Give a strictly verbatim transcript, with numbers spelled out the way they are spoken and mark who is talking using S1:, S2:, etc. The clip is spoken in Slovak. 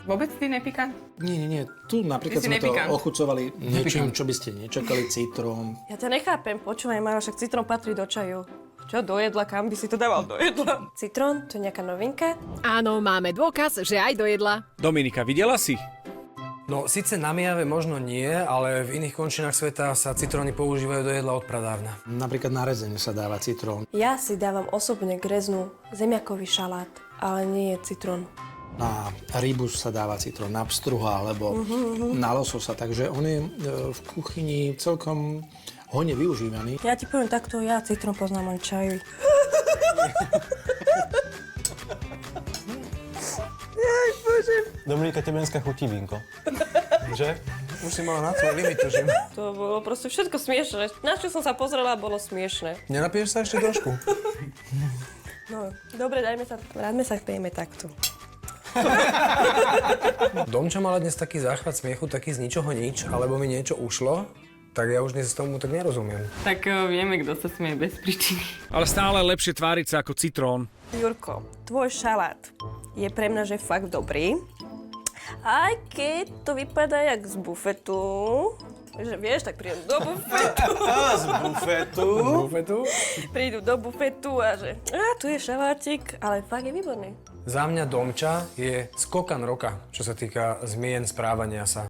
S1: Vôbec ty nepikant?
S2: Nie, nie, nie. Tu napríklad
S1: Ty si
S2: sme to
S1: nepikant.
S2: ochucovali niečím, čo by ste nečakali, citrón.
S3: Ja ťa nechápem, počúvaj, Maro, však citrón patrí do čaju. Čo, do jedla? Kam by si to dával do jedla? Citrón, to je nejaká novinka?
S4: Áno, máme dôkaz, že aj do jedla.
S5: Dominika, videla si?
S6: No, síce na Mijave možno nie, ale v iných končinách sveta sa citróny používajú do jedla od pradávna.
S2: Napríklad na rezenie sa dáva citrón.
S3: Ja si dávam osobne k reznú zemiakový šalát, ale nie je citrón.
S2: Na rybu sa dáva citrón, na pstruha alebo uh-huh, uh-huh. na lososa, takže on je e, v kuchyni celkom hojne využívaný.
S3: Ja ti poviem takto, ja citrón poznám len čaju.
S7: Dominika, tebe dneska chutí vínko. Že?
S6: Už si mala na tvoj limit, tužím.
S3: To bolo proste všetko smiešné. Na čo som sa pozrela, bolo smiešné.
S6: Nenapiješ sa ešte trošku?
S3: No, dobre, dajme sa, vráťme sa pijeme takto.
S6: Domča mala dnes taký záchvat smiechu, taký z ničoho nič, alebo mi niečo ušlo, tak ja už dnes tomu tak nerozumiem.
S1: Tak uh, vieme, kto sa smie bez príčiny.
S5: Ale stále lepšie tváriť sa ako citrón.
S3: Jurko, tvoj šalát je pre mňa, že fakt dobrý. Aj keď to vypadá jak z bufetu, že vieš, tak prídu do bufetu.
S7: Z bufetu.
S6: Bufetu?
S3: Prídu do bufetu a že a tu je šalátik, ale fakt je výborný.
S6: Za mňa Domča je skokan roka, čo sa týka zmien správania sa.